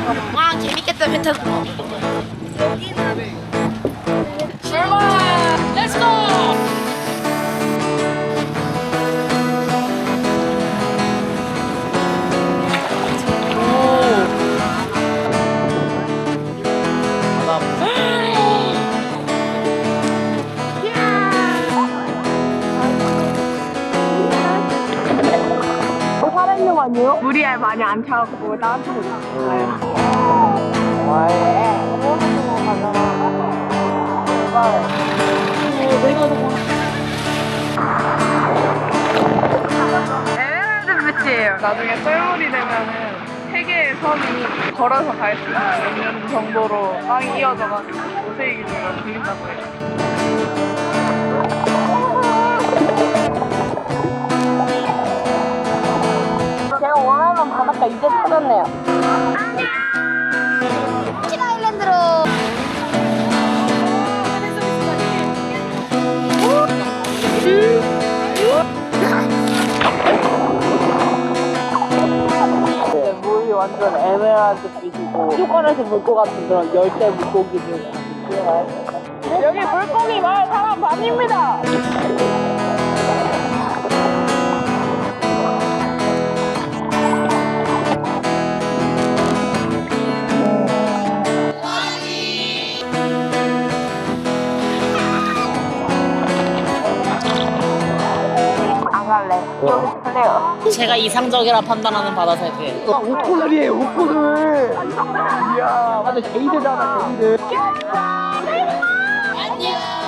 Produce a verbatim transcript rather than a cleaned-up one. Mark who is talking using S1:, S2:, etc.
S1: 와 재밌겠다 배 타는 거. 출발! 렛츠고!
S2: 살아있는 거 아니에요? 물이 많이 안 차갖고 따뜻하고 있어요. 에메랄드 비치예요. 나중에 썰물이 되면은 세 개의 섬이 걸어서 갈 수 있는 정도로 땅이 이어져가지고 오세이 기둥으로 불린다고 해요.
S1: 제가 원하는 바닷가 이제 찾았네요. 치 아일랜드로.
S2: 물이 완전 에메랄드 빛이고 휴관에서 볼 것 같은 그런 열대 물고기들. 여기 물고기 마을 사람 반입니다. 안 갈래. 여기 있을래요.
S1: 제가 이상적이라 판단하는 바다 세계.
S2: 아, 옷코들이에요, 옷코들. 이야, 완전 제이드잖아, 제이드.
S1: 안녕.